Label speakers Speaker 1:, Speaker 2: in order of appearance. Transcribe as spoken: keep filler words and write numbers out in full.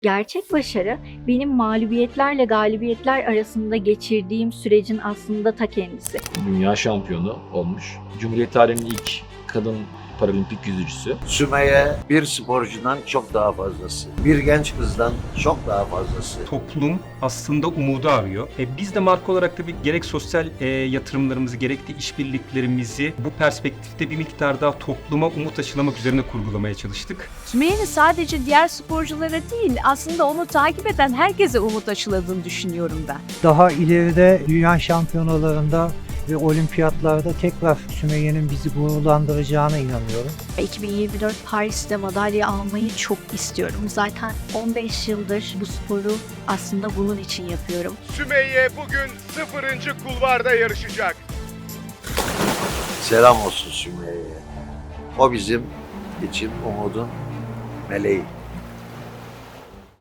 Speaker 1: Gerçek başarı, benim mağlubiyetlerle galibiyetler arasında geçirdiğim sürecin aslında ta kendisi.
Speaker 2: Dünya şampiyonu olmuş. Cumhuriyet tarihinin ilk kadın paralimpik yüzücüsü.
Speaker 3: Sümeyye bir sporcudan çok daha fazlası. Bir genç kızdan çok daha fazlası.
Speaker 4: Toplum aslında umudu arıyor. E, biz de marka olarak tabii gerek sosyal e, yatırımlarımızı gerek de işbirliklerimizi bu perspektifte bir miktar daha topluma umut aşılamak üzerine kurgulamaya çalıştık.
Speaker 5: Sümeyye'nin sadece diğer sporculara değil, aslında onu takip eden herkese umut aşıladığını düşünüyorum ben.
Speaker 6: Daha ileride dünya şampiyonalarında ve olimpiyatlarda tekrar Sümeyye'nin bizi gururlandıracağına inanıyorum.
Speaker 1: iki bin yirmi dört Paris'te madalya almayı çok istiyorum. Zaten on beş yıldır bu sporu aslında bunun için yapıyorum.
Speaker 7: Sümeyye bugün sıfırıncı kulvarda yarışacak.
Speaker 3: Selam olsun Sümeyye'ye. O bizim için umudun meleği.